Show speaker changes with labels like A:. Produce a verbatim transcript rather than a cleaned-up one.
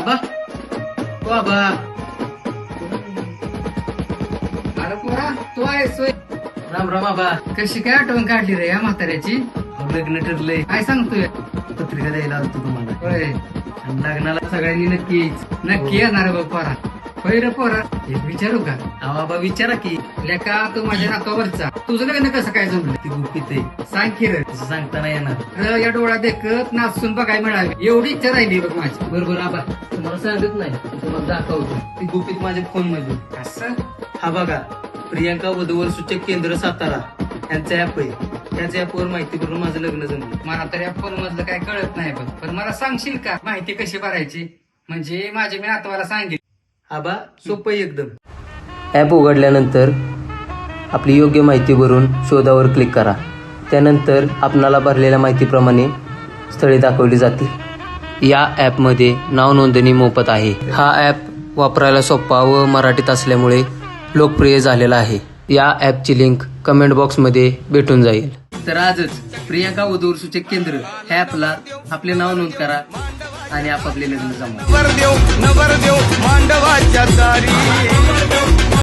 A: आबा ओ आबा
B: अरे पोरा तू आहेस होय?
A: राम राम आबा.
B: कशी काय आठवण काढली रे या म्हाताऱ्याची?
A: लग्न ठरलंय,
B: काय सांगतोय?
A: पत्रिका द्यायला आलतो तुम्हाला.
B: होय
A: आणि लग्नाला सगळ्यांनी नक्कीच.
B: नक्की येणार बघ पोरा. होय रे पोरा, एक विचारू का?
A: अहो आबा विचारा की.
B: लेका तू माझ्या नाकावरचा, तुझं लग्न कसं काय जमलं?
A: ती गुपित आहे,
B: सांग की रे.
A: तसं सांगता नाही येणार.
B: र या डोळा देखत नाचून बघाय मिळावी एवढी इच्छा राहिली बघ माझी.
A: बरोबर आबा, तुम्हाला सांगत नाही, तुम्हाला दाखवतो. ती गुपित माझ्या फोन मधून.
B: असं
A: हा बघा, प्रियांका वधूवर सूचक केंद्र सातारा यांचं ऍप आहे. त्याच्या ऍपवर माहिती करून माझं लग्न जमलं.
B: मला तर या फोन मधलं काय कळत नाही बघ, पण मला सांगशील का माहिती कशी भरायची? म्हणजे माझे मी नातवाला सांगेल.
A: आबा सोपं आहे एकदम.
C: ॲप उघडल्यानंतर आपली योग्य माहिती भरून शोधावर क्लिक करा. त्यानंतर आपणाला भरलेल्या माहितीप्रमाणे स्थळे दाखवली जातील. या ॲपमध्ये नाव नोंदणी मोफत आहे. हा ॲप वापरायला सोपा व मराठीत असल्यामुळे लोकप्रिय झालेला आहे. या ॲपची लिंक कमेंट बॉक्समध्ये भेटून जाईल.
A: तर आजच प्रियांका वधूवर सूचक केंद्र ह्या ॲपला आपले नाव नोंद करा आणि आपापले लग्न जमवा.
D: नवर देव नवर देव मांडवाच्या दारी